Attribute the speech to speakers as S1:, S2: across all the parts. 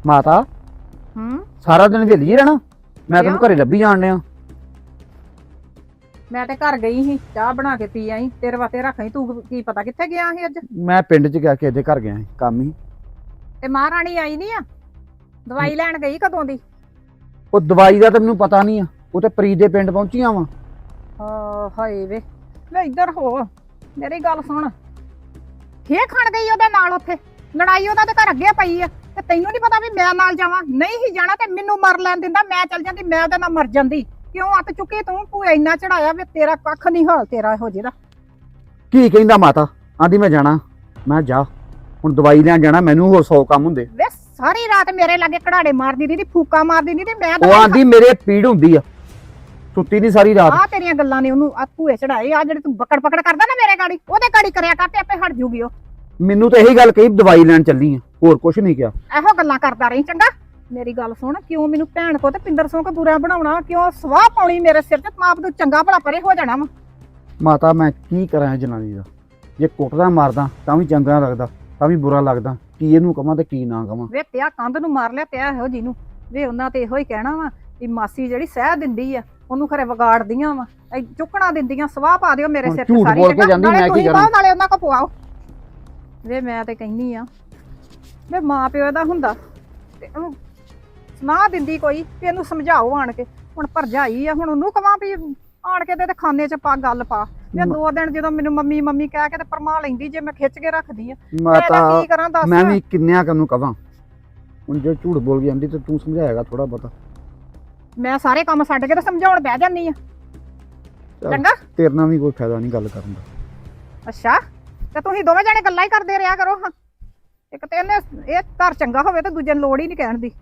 S1: ਮਾਤਾ ਸਾਰਾ ਦਿਨ ਵਿਹਲੀ ਰਹਿਣਾ। ਮੈਂ ਤੈਨੂੰ ਘਰੇ ਲੱਭੀ ਜਾਣ ਡਿਆ।
S2: ਮੈਂ ਤੇ ਘਰ ਗਈ ਸੀ, ਚਾਹ ਬਣਾ ਕੇ ਪੀ ਆਈ, ਤੇਰੇ ਵਾਸਤੇ ਰੱਖਈ। ਤੂੰ ਕੀ ਪਤਾ ਕਿੱਥੇ ਗਿਆ ਸੀ ਅੱਜ?
S1: ਮੈਂ ਪਿੰਡ 'ਚ ਗਿਆ ਕਿਸੇ ਦੇ ਘਰ ਗਿਆ ਸੀ, ਕੰਮ ਹੀ।
S2: ਤੇ ਮਹਾਰਾਣੀ ਆਈ ਨਹੀਂ ਆ? ਦਵਾਈ ਲੈਣ ਗਈ ਕਦੋਂ ਦੀ?
S1: ਉਹ ਦਵਾਈ ਦਾ ਤਾਂ ਮੈਨੂੰ ਪਤਾ ਨਹੀਂ ਆ, ਉਹ ਤੇ ਪ੍ਰੀਤ ਦੇ ਪਿੰਡ ਪਹੁੰਚੀਆਂ ਵਾ।
S2: ਹਾਏ ਵੇ, ਲੈ ਇੱਧਰ ਹੋ, ਮੇਰੀ ਗੱਲ ਸੁਣ। ਖੇ ਖਾਣ ਗਈ ਉਹਦੇ ਨਾਲ ਉੱਥੇ? ਲੜਾਈ ਉਹਦਾ ਤੇ ਘਰ ਅੱਗੇ ਪਈ ਆ, ਤੇ ਤੈਨੂੰ ਨਹੀਂ ਪਤਾ ਵੀ ਮੈਂ ਨਾਲ ਜਾਵਾਂ? ਨਹੀਂ ਹੀ ਜਾਣਾ ਤੇ ਮੈਨੂੰ ਮਰ ਲੈਣ ਦਿੰਦਾ, ਮੈਂ ਚੱਲ ਜਾਂਦੀ, ਮੈਂ ਉਹਦੇ ਨਾਲ ਮਰ ਜਾਂਦੀ। ਕਿਉਂ ਅੱਤ ਚੁੱਕੀ ਤੂੰ? ਤੂੰ ਇੰਨਾ ਚੜਾਇਆ ਵੀ ਤੇਰਾ ਕੱਖ ਨਹੀਂ ਹਾਲ ਤੇਰਾ ਇਹੋ ਜਿਹਦਾ।
S1: ਕੀ ਕਹਿੰਦਾ ਮਾਤਾ? ਆਂਦੀ ਮੈਂ ਜਾਣਾ। ਮੈਂ ਜਾ, ਹੁਣ ਦਵਾਈ ਲੈਣ ਜਾਣਾ, ਮੈਨੂੰ ਹੋਰ 100 ਕੰਮ ਹੁੰਦੇ।
S2: ਵੇ ਸਾਰੀ ਰਾਤ ਮੇਰੇ ਲਾਗੇ ਕਢਾੜੇ ਮਾਰਦੀ ਨਹੀਂ, ਫੂਕਾ ਮਾਰਦੀ ਨਹੀਂ, ਤੇ ਮੈਂ
S1: ਉਹ ਆਂਦੀ ਮੇਰੇ ਪੀੜ ਹੁੰਦੀ ਆ, ਸੁੱਤੀ ਨਹੀਂ ਸਾਰੀ ਰਾਤ।
S2: ਆ ਤੇਰੀਆਂ ਗੱਲਾਂ ਨੇ ਉਹਨੂੰ ਭੂਏ ਚੜਾਏ। ਆ ਜਿਹੜੇ ਤੂੰ ਬੱਕੜ ਪਕੜ ਕਰਦਾ ਨਾ ਮੇਰੇ ਗਾੜੀ, ਉਹਦੇ ਗਾੜੀ ਕਰਿਆ ਕਰ ਤੇ ਆਪੇ ਹਟ ਜੂਗੀ ਉਹ।
S1: ਮੈਨੂੰ ਤਾਂ ਇਹੀ ਗੱਲ ਕਹੀ, ਦਵਾਈ ਲੈਣ ਚੱਲੀ ਆ, ਹੋਰ ਕੁਝ ਨਹੀਂ ਕਿਹਾ।
S2: ਇਹੋ ਗੱਲਾਂ ਕਰਦਾ ਰਹੀ, ਚੰਗਾ? ਮੇਰੀ ਗੱਲ ਸੁਣ, ਕਿਉਂ ਮੈਨੂੰ ਭੈਣ ਕੋ ਤੇ ਪਿੰਦਰ ਸਿੰਘ ਕੋ ਬੁਰਾ ਬਣਾਉਣਾ? ਕਿਉਂ ਸਵਾਹ ਪਾਉਣੀ ਮੇਰੇ ਸਿਰ ਤੇ? ਮਾਪ ਤੂੰ ਚੰਗਾ ਭਲਾ ਪਰੇ ਹੋ ਜਾਣਾ ਵਾ।
S1: ਮਾਤਾ ਮੈਂ ਕੀ ਕਰਾਂ ਜਨਾਨੀ ਦਾ? ਜੇ ਕੁੱਟਦਾ ਮਾਰਦਾ ਤਾਂ ਵੀ ਚੰਗਾ ਲੱਗਦਾ, ਤਾਂ ਵੀ ਬੁਰਾ ਲੱਗਦਾ। ਕੀ ਇਹਨੂੰ ਕਵਾਂ ਤੇ ਕੀ ਨਾ ਕਵਾਂ?
S2: ਵੇ ਤਿਆ ਕੰਧ ਨੂੰ ਮਾਰ ਲਿਆ ਪਿਆ ਇਹੋ ਜਿਹਨੂੰ। ਵੇ ਉਹਨਾਂ ਤੇ ਇਹੋ ਹੀ ਕਹਿਣਾ ਵਾ ਵੀ ਮਾਸੀ ਜਿਹੜੀ ਸਹਿ ਦਿੰਦੀ ਆ ਉਹਨੂੰ ਖਰੇ ਵਿਗਾੜਦੀਆਂ ਵਾ, ਚੁੱਕਣਾ ਦਿੰਦੀਆਂ। ਸਵਾਹ ਪਾ ਦਿਓ ਮੇਰੇ ਸਿਰ ਤੇ ਸਾਰੀ।
S1: ਬੋਲ ਕੇ ਜਾਂਦੀ, ਮੈਂ ਕੀ ਕਰਾਂ?
S2: ਨਾਲੇ ਉਹਨਾਂ ਕੋ ਪਵਾਓ। ਵੇ ਮੈਂ ਤੇ ਕਹਿੰਨੀ ਆ, ਵੇ ਮਾਂ ਪਿਓ ਇਹਦਾ ਹੁੰਦਾ ਤੇ ਉਹਨੂੰ ਸੁਣਾ ਦਿੰਦੀ ਕੋਈ ਵੀ ਇਹਨੂੰ ਸਮਝਾਓ ਆਣ ਕੇ। ਹੁਣ ਭਰਜਾਈ ਆ, ਹੁਣ ਉਹਨੂੰ ਕਵਾਂ ਵੀ ਆਣ ਕੇ ਤੇ ਖਾਨੇ 'ਚ ਪਾ ਗੱਲ ਪਾ। ਮੈਂ 2 ਦਿਨ ਜਦੋਂ ਮੈਨੂੰ ਮੰਮੀ ਮੰਮੀ ਕਹਿ ਕੇ ਤੇ ਪਰਮਾ ਲੈਂਦੀ, ਜੇ ਮੈਂ ਖਿੱਚ ਕੇ ਰੱਖਦੀ ਆ।
S1: ਮਾਤਾ
S2: ਕੀ ਕਰਾਂ ਦੱਸ?
S1: ਮੈਂ ਵੀ ਕਿੰਨਿਆਂ ਨੂੰ ਕਵਾਂ? ਹੁਣ ਜੇ ਝੂਠ ਬੋਲ ਗਈ ਆਂਦੀ ਤੇ ਤੂੰ ਸਮਝਾਏਗਾ ਥੋੜਾ ਬਹੁਤਾ।
S2: ਮੈਂ ਸਾਰੇ ਕੰਮ ਛੱਡ ਕੇ ਤੇ ਸਮਝਾਉਣ ਬਹਿ ਜਾਂਦੀ ਆ। ਚੰਗਾ,
S1: ਤੇਰੇ ਨਾਲ ਵੀ ਕੋਈ ਫਾਇਦਾ ਨਹੀਂ ਗੱਲ ਕਰਨ ਦਾ।
S2: ਅੱਛਾ, ਤੇ ਤੁਸੀਂ ਦੋਵੇਂ ਜਾਣੇ ਗੱਲਾਂ ਹੀ ਕਰਦੇ ਰਿਹਾ ਕਰੋ। ਹਾਂ, ਇੱਕ ਤੇ ਇਹਨੇ ਇਹ ਘਰ ਚੰਗਾ ਹੋਵੇ ਤੇ ਦੂਜੇ ਨੂੰ ਲੋੜ ਹੀ ਨਹੀਂ ਕਹਿਣ ਦੀ।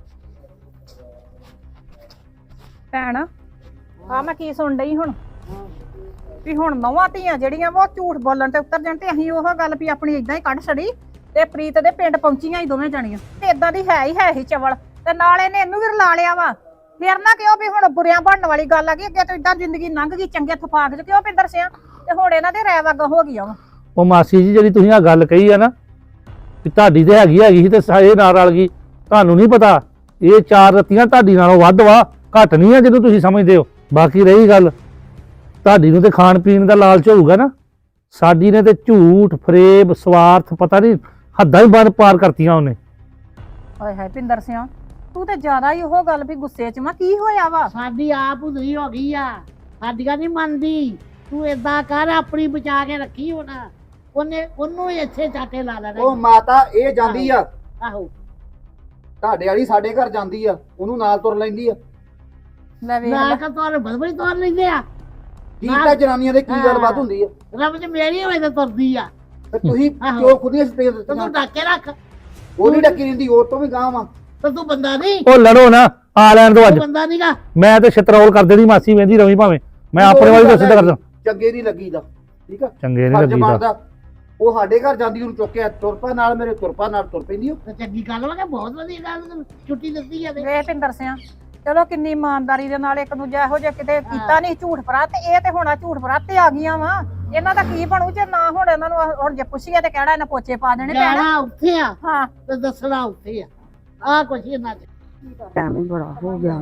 S2: ਭੈਣ ਆ ਮੈਂ ਕੀ ਸੁਣ ਡਈ ਹੁਣ? ਵੀ ਹੁਣ ਨੌਵਾਂ ਧੀਆਂ ਜਿਹੜੀਆਂ ਵਾ ਉਹ ਝੂਠ ਬੋਲਣ ਤੇ ਉਤਰ ਜਾਣ, ਤੇ ਅਸੀਂ ਉਹ ਗੱਲ ਵੀ ਆਪਣੀ ਇਦਾਂ ਹੀ ਕੱਢ ਛੜੀ ਤੇ ਪ੍ਰੀਤ ਦੇ ਪਿੰਡ ਪਹੁੰਚੀਆਂ ਹੀ ਦੋਵੇਂ ਜਾਣੀਆਂ। ਤੇ ਇਦਾਂ ਦੀ ਹੈ ਹੀ ਚਵਲ, ਤੇ ਨਾਲ ਇਹਨੇ ਇਹਨੂੰ ਵੀ ਰਲਾ ਲਿਆ ਵਾ। ਫਿਰ ਨਾ ਕਿਉਂ ਵੀ ਹੁਣ ਬੁਰਿਆਂ ਬਣਨ ਵਾਲੀ ਗੱਲ ਆ ਗਈ। ਅੱਗੇ ਤੋਂ ਇਦਾਂ ਜ਼ਿੰਦਗੀ ਲੰਘ ਗਈ ਚੰਗੇ ਥਫਾਕ ਚ, ਕਿਉਂ ਪਿੰਦਰ ਸਿਆ? ਤੇ ਹੁਣ ਇਹਨਾਂ ਦੇ ਰਹਿ ਵਗ ਹੋ ਗਈਆਂ ਵਾ।
S3: ਉਹ ਮਾਸੀ ਜੀ ਜਿਹੜੀ ਤੁਸੀਂ ਆ ਗੱਲ ਕਹੀ ਆ ਨਾ ਵੀ ਤੁਹਾਡੀ ਤੇ ਹੈਗੀ ਸੀ ਤੇ ਇਹ ਨਾਲ ਰਲ ਗਈ, ਤੁਹਾਨੂੰ ਨਹੀਂ ਪਤਾ ਇਹ 4 ਰੱਤੀਆਂ ਤੁਹਾਡੀ ਨਾਲੋਂ ਵੱਧ ਵਾ, ਘੱਟ ਨਹੀਂ ਆ ਜਦੋਂ ਤੁਸੀਂ ਸਮਝਦੇ ਹੋ। ਬਾਕੀ ਰਹੀ ਗੱਲ ਤੁਹਾਡੀ ਨੂੰ ਤੇ ਖਾਣ ਪੀਣ ਦਾ ਲਾਲਚ ਹੋਊਗਾ ਨਾ, ਸਾਡੀ ਨੇ ਤੇ ਝੂਠ ਫਰੇਬ ਸਵਾਰਥ ਪਤਾ ਨਹੀਂ ਹੱਦਾਂ ਹੀ ਬੰਦ ਪਾਰ ਕਰਤੀਆਂ ਉਹਨੇ।
S2: ਹਾਏ ਹਾਏ ਪਿੰਦਰ ਸਿਆ, ਤੂੰ ਤੇ ਜ਼ਿਆਦਾ ਹੀ ਉਹ ਗੱਲ ਵੀ ਗੁੱਸੇ 'ਚ ਵਾ। ਕੀ ਹੋਇਆ ਵਾ?
S4: ਸਾਡੀ ਆਪ ਉਧਰੀ ਹੋ ਗਈ ਆ, ਸਾਡੀਆਂ ਨਹੀਂ ਮੰਨਦੀ। ਤੂੰ ਏਦਾਂ ਕਰ, ਆਪਣੀ ਬਚਾ ਕੇ ਰੱਖੀ। ਉਹਨੂੰ ਇੱਥੇ ਚਾਟੇ ਲਾ ਲੈਣਾ।
S1: ਉਹ ਮਾਤਾ ਇਹ ਜਾਂਦੀ ਆ
S4: ਆਹੋ,
S1: ਤੁਹਾਡੇ ਵਾਲੀ ਸਾਡੇ ਘਰ ਜਾਂਦੀ ਆ, ਉਹਨੂੰ ਨਾਲ ਤੁਰ ਲੈਂਦੀ ਆ।
S2: ਲੈ ਵੇਖ
S4: ਨਾ
S2: ਲੈ,
S4: ਕਿ ਤੋਰ ਬਦਬੜੀ ਤੋਰ ਲੈਂਦੇ ਆ।
S1: ਕੀ ਤਾਂ ਜਨਾਨੀਆਂ ਦੇ ਕੀ ਗੱਲਬਾਤ ਹੁੰਦੀ ਆ?
S4: ਰੱਬ ਚ ਮੇਰੀ ਹੋਵੇ ਤਾਂ ਤੁਰਦੀ ਆ।
S1: ਤੇ ਤੁਸੀਂ
S4: ਆਹੋ।
S1: ਕਿਉਂ ਖੁਦ ਹੀ ਸਟੇਜ
S4: ਤੇ ਤੂੰ ਡੱਕ ਕੇ ਰੱਖ।
S1: ਉਹ ਨਹੀਂ ਡੱਕੀ ਰਹਿੰਦੀ, ਉਹ ਤੋਂ ਵੀ ਗਾਂਹ ਵਾ।
S4: ਤੇ ਤੂੰ ਬੰਦਾ ਨਹੀਂ,
S3: ਉਹ ਲੜੋ ਨਾ, ਆ ਲੈਣ ਦੋ ਅੱਜ।
S4: ਤੂੰ ਬੰਦਾ ਨਹੀਂਗਾ।
S3: ਮੈਂ ਤੇ ਛਤਰੌਲ ਕਰ ਦੇਣੀ ਮਾਸੀ ਵੇਂਦੀ ਰਵੀ ਭਾਵੇਂ, ਮੈਂ ਆਪਣੇ ਵਾਲੀ ਦੱਸ ਕਰਦਾ।
S1: ਚੰਗੇ ਨਹੀਂ ਲੱਗੀਦਾ, ਠੀਕ ਆ?
S3: ਚੰਗੇ ਨਹੀਂ ਲੱਗੀਦਾ।
S1: ਬਣਦਾ ਉਹ ਸਾਡੇ ਘਰ ਜਾਂਦੀ, ਉਹਨੂੰ ਚੁੱਕਿਆ ਤੁਰਪਾ ਨਾਲ, ਮੇਰੇ ਤੁਰਪਾ ਨਾਲ ਤੁਰ ਪੈਂਦੀ। ਉਹ
S4: ਤੇ ਚੰਗੀ ਗੱਲ ਵਾ ਕਿ ਬਹੁਤ ਵਧੀਆ ਗੱਲ, ਛੁੱਟੀ ਦਿੱਤੀ ਆ ਤੇ।
S2: ਵੇਖ ਪਿੰਦਰ ਸਿਆ, ਚਲੋ ਕਿੰਨੀ ਇਮਾਨਦਾਰੀ ਦੇ ਨਾਲ ਇੱਕ ਦੂਜਾ ਇਹੋ ਜਿਹਾ ਕਿਤੇ ਕੀਤਾ ਨਹੀਂ ਝੂਠ ਫਰਾ, ਤੇ ਇਹ ਤੇ ਹੁਣ ਝੂਠ ਫਰਾ ਤੇ ਆ ਗਈਆਂ ਵਾ। ਇਹਨਾਂ ਦਾ ਕੀ ਬਣੂ ਜੇ ਨਾ ਹੁਣ ਇਹਨਾਂ ਨੂੰ ਹੁਣ ਜੇ ਪੁੱਛੀਏ ਤੇ ਕਿਹੜਾ ਇਹਨਾਂ ਪੋਚੇ ਪਾ ਦੇਣੇ ਪੈਣਾ।
S4: ਜਾਣਾ ਉੱਥੇ ਆ
S2: ਹਾਂ,
S4: ਤੇ ਦੱਸਣਾ ਉੱਥੇ ਆ। ਆਹ ਕੁਛ ਇਹਨਾਂ ਚ
S2: ਟਾਈਮ ਹੀ ਬੜਾ ਹੋ ਗਿਆ।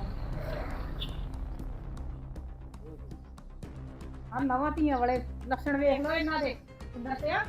S2: ਆ ਨਵਾਂ ਧੀਆਂ ਵਾਲੇ ਲੱਛਣ ਵੇਖ ਲਓ ਇਹਨਾਂ ਦੇ। ਪਿੰਦਰ ਸਿਆ,